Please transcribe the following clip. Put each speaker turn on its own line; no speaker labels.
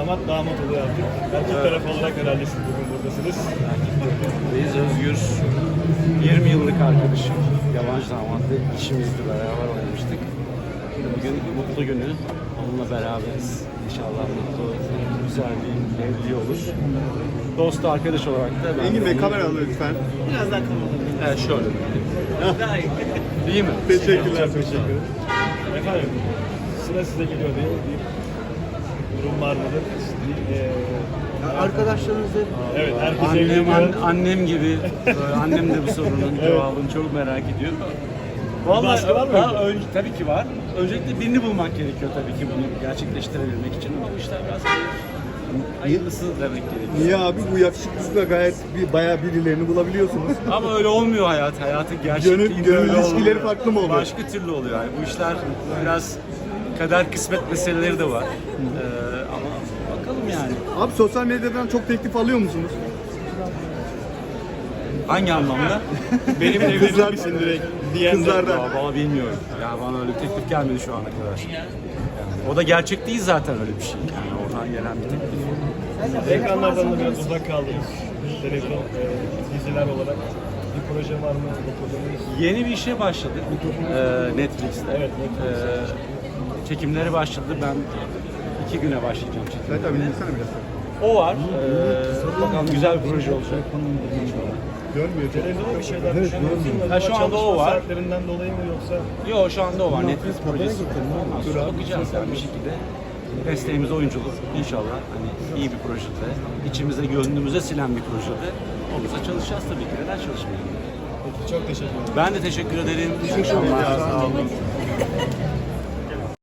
damat oluyor artık. Erkek tarafı olarak herhalde siz bugün buradasınız.
Biz Özgür, 20 yıllık arkadaşım, yabancı damatlı işimizde beraber oynamıştık. Bugün mutlu günü, onunla beraberiz. İnşallah mutlu, güzel bir evliliği olur. Dost arkadaş olarak da ben...
Engin Bey kamera alın lütfen.
Biraz daha kalmadı.
Evet, şöyle.
Daha iyi.
Değil mi?
Teşekkürler.
Teşekkür ederim. Efendim, sıra size geliyor değil mi? Bir durum var mıdır?
Arkadaşlarınızla
Evet, herkes evleniyor.
Annem gibi, annem de bu sorunun cevabını çok merak ediyor.
Baskı var mı?
Tabii ki var. Öncelikle birini bulmak gerekiyor tabii ki bunu gerçekleştirebilmek için ama bu işler biraz hayırlısı demek gerekiyor.
Niye abi bu yakışıklılıkla gayet bayağı birilerini bulabiliyorsunuz.
Ama öyle olmuyor hayat. Hayatın gerçekliğinde
Gönül
öyle
ilişkileri
olmuyor.
farklı mı oluyor?
Başka türlü oluyor yani. Bu işler biraz kader kısmet meseleleri de var. Ama bakalım yani.
Abi sosyal medyadan çok teklif alıyor musunuz?
Hangi anlamda?
Benimle evlenir misin direkt diyen de-
Kızlardan.
Ya bana bilmiyorum. Ya bana öyle bir teklif gelmedi şu ana kadar. Yani o da gerçek değil zaten öyle bir şey. Yani oradan gelen bir teklif.
Ekranlardan da biraz uzak kaldınız. Televizyon, diziler olarak. Bir proje var mı? Bu projeniz?
Yeni bir işe başladık Netflix'te.
Evet, Netflix'te.
Çekimleri başladı. Ben 2 güne başlayacağım
Evet
çekimlerine.
abi dinlesene biraz.
O var. Bakalım güzel bir proje olacak.
Görmüyor.
Televizyonda bir şeyler düşünüyor musunuz?
Ha, şu anda o var.
Saatlerinden dolayı mı yoksa?
Yok şu anda o var. Netflix projesi. Bakacağız yani bir şekilde. Mesleğimiz oyunculuk. İnşallah hani iyi bir projede, içimize gönlümüze silen bir projede olursa çalışacağız tabii ki. Neden çalışmayalım?
Peki, çok teşekkür ederim.
Ben de teşekkür ederim. İyi akşamlar. Sağ olun.